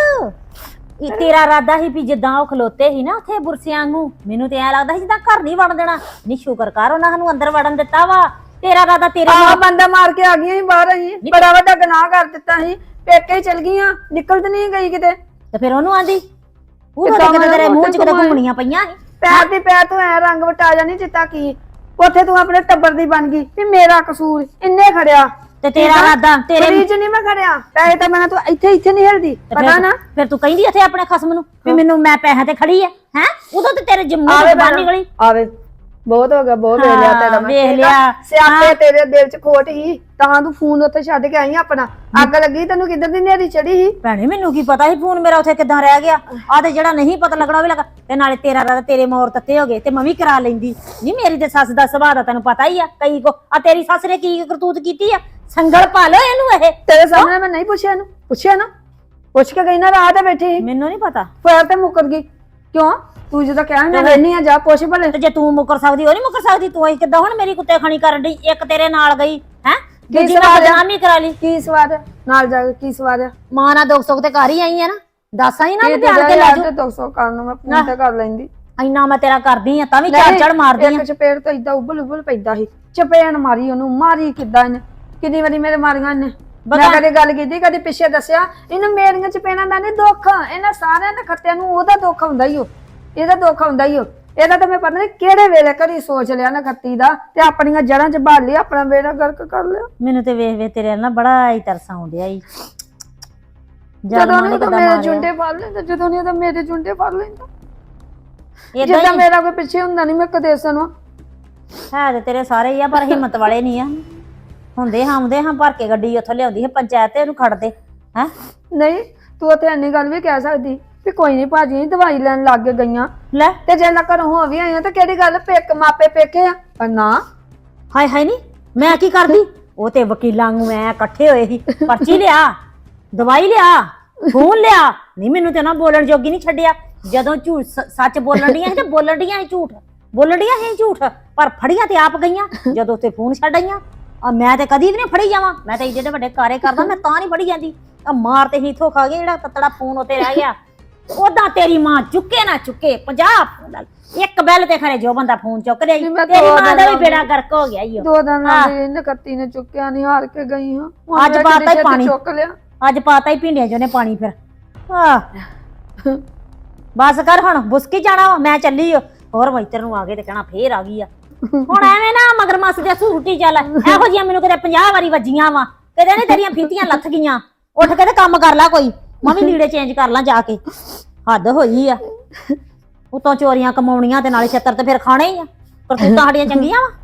S5: ਇਹ ਤੇਰਾ ਇਰਾਦਾ ਸੀ ਵੀ ਜਿੱਦਾਂ ਉਹ ਖਲੋਤੇ ਸੀ ਨਾ ਉੱਥੇ ਬੁਰਸਿਆਂ ਨੂੰ, ਮੈਨੂੰ ਤੇ ਐ ਲੱਗਦਾ ਸੀ ਜਿੱਦਾਂ ਘਰ ਨਹੀਂ ਵੜਨ ਦੇਣਾ। ਨਹੀਂ ਸ਼ੁਕਰ ਕਰ ਉਹਨਾਂ ਸਾਨੂੰ ਅੰਦਰ ਵੜਨ ਦਿੱਤਾ ਵਾ। ਤੇਰਾ ਇਰਾਦਾ ਤੇਰੇ
S6: ਆ
S5: ਨਾਲ
S6: ਬੰਦਾ ਮਾਰ ਕੇ ਆ ਗਈਆਂ ਸੀ ਬਾਹਰ। ਅਸੀਂ ਬੜਾ ਵੱਡਾ ਗੁਨਾਹ ਕਰ ਦਿੱਤਾ ਸੀ। ਪੇਕੇ ਹੀ ਚਲ ਗਈਆਂ, ਨਿਕਲ ਤੇ ਨਹੀਂ ਗਈ ਕਿਤੇ।
S5: ਤੇ ਫਿਰ ਉਹਨੂੰ ਆਂਦੀ ਉਹ
S6: ਕਿੱਦਾਂ
S5: ਕਿਤੇ ਤੇਰੇ
S6: ਮੈਂ
S5: ਮੂੰਹ 'ਚ ਕਿਤੇ
S6: ਘੁੰਮਾਏ।
S5: ਘੁੰਮਣੀਆਂ ਪਈਆਂ ਸੀ।
S6: ਪੈਰ ਦੀ ਪੈਰ ਤੋਂ ਐ ਰੰਗ ਵਟਾ ਜਾਣੀ ਚਿੱਤਾ ਕੀ। ਉੱਥੇ ਤੂੰ ਆਪਣੇ ਟੱਬਰ ਦੀ ਬਣ ਗਈ ਵੀ ਮੇਰਾ ਕਸੂਰ ਇੰਨੇ ਖੜਿਆ।
S5: ਤੇ ਤੇਰਾ ਇਰਾਦਾ ਤੇਰੇ
S6: ਫਰੀਜ ਨਹੀਂ ਮੈਂ ਖੜਿਆ। ਪੈਸੇ ਤਾਂ ਮੈਂ ਤੂੰ ਇੱਥੇ ਨਹੀਂ ਹਿਲਦੀ,
S5: ਤੇ
S6: ਪਤਾ ਨਾ।
S5: ਫਿਰ ਤੂੰ ਕਹਿੰਦੀ ਇੱਥੇ ਆਪਣੇ ਖਸਮ ਨੂੰ ਵੀ ਮੈਨੂੰ ਮੈਂ ਪੈਸੇ ਤੇ ਖੜੀ ਆ ਹੈ। ਉਦੋਂ ਤੇ ਤੇਰੇ ਜੰਮੂ
S6: ਆਵੇ
S5: ਦੀ ਬਾਹਰ ਨਿਕਲੀ।
S6: ਆਵੇ ਬਹੁਤ ਹੋ ਗਿਆ, ਬਹੁਤ ਵੇਖ ਲਿਆ ਤੇਰਾ ਮੈਂ।
S5: ਵੇਖ ਲਿਆ।
S6: ਸਿਆਪੇ ਤੇਰੇ ਦਿਲ 'ਚ ਖੋਟ ਹੀ ਤਾਂ ਤੂੰ ਫੋਨ ਉੱਥੇ ਛੱਡ ਕੇ ਆਈ ਆਪਣਾ। ਅੱਗ ਲੱਗੀ ਤੈਨੂੰ ਕਿੱਧਰ ਦੀ ਨੇਰੀ ਚੜੀ ਸੀ।
S5: ਭੈਣੇ ਮੈਨੂੰ ਕੀ ਪਤਾ ਸੀ ਫੋਨ ਮੇਰਾ ਉੱਥੇ ਕਿੱਦਾਂ ਰਹਿ ਗਿਆ। ਆ ਤੇ ਜਿਹੜਾ ਨਹੀਂ ਪਤਾ ਲੱਗਣਾ ਉਹ ਵੀ ਲੱਗਾ। ਤੇ ਨਾਲੇ ਤੇਰਾ ਇਰਾਦਾ ਤੇਰੇ ਮੋਰ ਤੱਤੇ ਹੋ ਗਏ ਤੇ ਮੈਂ ਵੀ ਕਰਾ ਲੈਂਦੀ। ਨਹੀਂ ਮੇਰੀ ਤੇ ਸੱਸ ਦਾ ਸੁਭਾਅ ਦਾ ਤੈਨੂੰ ਪਤਾ ਹੀ ਆ। ਕਈ ਕੋ ਆ ਤੇਰੀ ਸੱਸ ਨੇ ਕੀ ਕਰਤੂਤ ਕੀਤੀ ਆ। ਸੰਗਲ ਪਾ ਲੋ ਇਹਨੂੰ। ਇਹ
S6: ਤੇਰੇ ਸਾਹਮਣੇ ਮੈਂ ਨਹੀਂ ਪੁੱਛਿਆ ਇਹਨੂੰ। ਪੁੱਛਿਆ ਨਾ, ਪੁੱਛ ਕੇ ਗਈ ਨਾ ਰਾਹ ਤੇ ਬੈਠੀ ਸੀ।
S5: ਮੈਨੂੰ ਨਹੀਂ ਪਤਾ।
S6: ਫੇਰ ਤੇ ਮੁੱਕਰ ਗਈ ਕਿਉਂ? ਤੂੰ ਜਦੋਂ ਕਹਿਣ ਮੈਂ ਰਹਿਨੀ ਆ ਜਾ ਪੁੱਛ ਭਲੇ।
S5: ਤੇ ਜੇ ਤੂੰ ਮੁੱਕਰ ਸਕਦੀ ਉਹ ਨਹੀਂ ਮੁੱਕਰ ਸਕਦੀ। ਤੂੰ ਇਹ ਕਿੱਦਾਂ ਹੁਣ ਮੇਰੀ ਕੁੱਤੇ ਖਾਣੀ ਕਰਨ ਡਈ। ਇੱਕ ਤੇਰੇ ਨਾਲ ਗਈ ਹੈ, ਦੂਜੀ ਨਾਲ ਬਦਨਾਮੀ ਕਰਾ ਲਈ।
S6: ਕੀ ਸਵਾਦ ਹੈ ਨਾਲ ਜਾ ਕੇ? ਕੀ ਸਵਾਦ ਹੈ?
S5: ਮਾਂ ਨਾਲ ਦੁੱਖ ਸੁੱਖ ਤੇ ਘਰ ਹੀ ਆਈ ਆ ਨਾ। ਦੱਸ ਆਈ ਨਾ
S6: ਇਹ
S5: ਵੀ ਧਿਆਨ ਕੇ ਲੈ
S6: ਯਾਰ
S5: ਜਾਓ।
S6: ਤੇ 200 ਕਰਨ ਨੂੰ ਮੈਂ ਫੋਨ ਤੇ ਕਰ ਲੈਂਦੀ।
S5: ਇੰਨਾ ਮੈਂ ਤੇਰਾ ਕਰਦੀ ਆ ਤਾਂ ਵੀ ਝੜ ਝੜ ਮਾਰਦੀ ਆ।
S6: ਇੱਕ ਚਪੇੜ ਤਾਂ ਇਦਾਂ ਉਬਲ ਪੈਂਦਾ ਸੀ। ਚਪੇੜ ਮਾਰੀ ਉਹਨੂੰ, ਮਾਰੀ ਕਿੱਦਾਂ ਇਹਨੇ। ਕਿੰਨੀ ਵਾਰੀ ਮੇਰੇ ਮਾਰੀਆਂ ਇਹਨੇ। ਮੈਂ ਕਦੇ ਗੱਲ ਕੀਤੀ, ਕਦੇ ਪਿੱਛੇ ਦੱਸਿਆ। ਇਹਨੂੰ ਮੇਰੀਆਂ ਚਪੇੜਾਂ ਦਾ ਨਹੀਂ ਦੁੱਖ, ਇਹਨਾਂ ਸਾਰਿਆਂ ਦੇ ਖੱਤਿਆਂ ਨੂੰ ਉਹਦਾ ਦੁੱਖ ਹੁੰਦਾ ਹੀ ਉਹ। ਇਹਦਾ ਦੁੱਖ ਹੁੰਦਾ ਹੀ ਉਹ। ਇਹਦਾ ਤਾਂ ਮੈਂ ਪਤਾ ਨਹੀਂ ਕਿਹੜੇ ਵੇਲੇ ਘਰੀ ਸੋਚ ਲਿਆ ਨਾ ਖੱਤੀ ਦਾ ਤੇ ਆਪਣੀਆਂ ਜੜਾਂ 'ਚ ਭਾਲ ਲਈ, ਆਪਣਾ ਬੇੜਾ ਗਰਕ ਕਰ ਲਿਆ।
S5: ਮੈਨੂੰ ਤੇ ਵੇਖ ਵੇਖ ਤੇਰੇ ਨਾਲ ਬੜਾ ਹੀ ਤਰਸ ਆਉਂਦਿਆ ਈ।
S6: ਜਦੋਂ ਨਹੀਂ ਤਾਂ ਮੇਰੇ ਜੁੰਡੇ ਫੜ ਲੈਂਦਾ, ਜਦੋਂ ਨਹੀਂ ਤਾਂ ਮੇਰੇ ਜੁੰਡੇ ਫੜ ਲੈਂਦਾ।
S5: ਇਦਾਂ
S6: ਜਿੱਦਾਂ
S5: ਹੀ
S6: ਮੇਰਾ ਕੋਈ ਪਿੱਛੇ ਹੁੰਦਾ ਨਹੀਂ, ਮੈਂ ਕਦੇ ਸੁਣਵਾ।
S5: ਹੈ ਤੇ ਤੇਰੇ ਸਾਰੇ ਹੀ ਆ ਪਰ ਹਿੰਮਤ ਵਾਲੇ ਨਹੀਂ ਆ। ਹੁੰਦੇ ਹਾਂ ਭਰ ਕੇ ਗੱਡੀ ਉੱਥੋਂ ਲਿਆਉਂਦੀ ਹੈ ਪੰਚਾਇਤ ਤੇ ਉਹਨੂੰ ਖੜਦੇ ਹੈ।
S6: ਨਹੀਂ ਤੂੰ ਉੱਥੇ ਇੰਨੀ ਗੱਲ ਵੀ ਕਹਿ ਸਕਦੀ ਵੀ ਕੋਈ ਨਹੀਂ ਭਾਜੀ ਦਵਾਈ ਲੈਣ ਲੱਗ ਗਈਆਂ
S5: ਲੈ
S6: ਤੇ ਜੇ ਨਾ ਘਰੋਂ ਹੋ ਵੀ ਆਈਆਂ ਤਾਂ ਕਿਹੜੀ ਗੱਲ ਪੇਕ ਮਾਪੇ ਪੇਕੇ ਆ। ਪਰ ਨਾ,
S5: ਹਾਏ ਹਾਏ ਨਹੀਂ ਮੈਂ ਕੀ ਕਰਦੀ। ਉਹ ਤੇ ਵਕੀਲਾਂ ਨੂੰ ਐ ਇਕੱਠੇ ਹੋਏ ਸੀ। ਪਰਚੀ ਲਿਆ, ਦਵਾਈ ਲਿਆ, ਫੋਨ ਲਿਆ। ਨਹੀਂ ਮੈਨੂੰ ਤੇ ਨਾ ਬੋਲਣ ਜੋਗੀ ਨਹੀਂ ਛੱਡਿਆ। ਜਦੋਂ ਝੂਠ ਸੱਚ ਬੋਲਣ ਡੀਆਂ ਸੀ ਤੇ ਬੋਲਣ ਡੀਆਂ ਸੀ ਝੂਠ, ਬੋਲਣ ਡੀਆਂ ਸੀ ਝੂਠ, ਪਰ ਫੜੀਆਂ ਤੇ ਆਪ ਗਈਆਂ ਜਦੋਂ ਉੱਥੇ ਫੋਨ ਛੱਡ ਆਈਆਂ। ਆ ਮੈਂ ਤੇ ਕਦੀ ਵੀ ਨਹੀਂ ਫੜੀ ਜਾਵਾਂ। ਮੈਂ ਤਾਂ ਜਿਹੜੇ ਵੱਡੇ ਕਾਰੇ ਕਰਦਾ ਮੈਂ ਤਾਂ ਨਹੀਂ ਫੜੀ ਜਾਂਦੀ। ਆ ਮਾਰ ਤੇ ਹੀਥੋਂ ਖਾ ਗਏ ਜਿਹੜਾ ਤਤੜਾ ਫੋਨ ਉੱਤੇ ਰਹਿ ਗਿਆ। ਉਦਾਂ ਤੇਰੀ ਮਾਂ ਚੁੱਕੇ ਨਾ ਚੁੱਕੇ 50 ਫੋਨ, ਇੱਕ ਬੈਲ ਤੇ ਖਰੇ ਜੋ ਬੰਦਾ ਫੋਨ ਚੁੱਕ ਲਿਆ। ਤੇਰੀ ਮਾਂ ਦਾ ਵੀ ਬੇੜਾ ਗਰਕ ਹੋ ਗਿਆ ਈ।
S6: 2 ਦਿਨ ਲਾਉਂਦੀ ਨਕੱਤੀ ਨੇ ਚੁੱਕਿਆ ਨਹੀਂ, ਹਾਰ ਕੇ ਗਈ ਹਾਂ। ਹੁਣ
S5: ਅੱਜ
S6: ਮੈਂ
S5: ਪਾਤਾ
S6: ਕਿਤੇ
S5: ਹੀ ਪਾਣੀ,
S6: ਚੁੱਕ ਲਿਆ।
S5: ਅੱਜ ਪਾਤਾ ਹੀ ਭਿੰਡੀਆਂ ਚੋਂ ਨੇ ਪਾਣੀ। ਫਿਰ ਬਸ ਕਰ ਹੁਣ ਬੁਸਕੀ ਜਾਣਾ ਵਾ। ਮੈਂ ਚੱਲੀ ਹੋਰ ਮੈਤਰ ਨੂੰ ਆ ਗਏ ਤੇ ਕਹਿਣਾ ਫੇਰ ਆ ਗਈ ਆ। ਹੁਣ ਐਵੇਂ ਨਾ ਮਗਰ ਮੱਸ ਦੇ ਸੂਟੀ ਚੱਲ। ਇਹੋ ਜਿਹੀਆਂ ਮੈਨੂੰ ਕਿਤੇ 50 ਵਾਰੀ ਵੱਜੀਆਂ ਵਾ। ਕਿਤੇ ਨੇ ਤੇਰੀਆਂ ਫੀਤੀਆਂ ਲੱਥ ਗਈਆਂ। ਉੱਠ ਕੇ ਤੇ ਕੰਮ ਕਰ ਲੈ ਕੋਈ। ਮੈਂ ਵੀ ਲੀੜੇ ਚੇਂਜ ਕਰ ਲਾਂ ਜਾ ਕੇ। ਹੱਦ ਹੋਈ ਆ। ਉਤੋਂ ਚੋਰੀਆਂ ਕਮਾਉਣੀਆਂ ਤੇ ਨਾਲੇ ਛੱਤਰ ਤੇ ਫਿਰ ਖਾਣੇ ਹੀ ਆ। ਪਰ ਤੂੰ ਤਾਂ ਸਾਡੀਆਂ ਚੰਗੀਆਂ ਵਾ।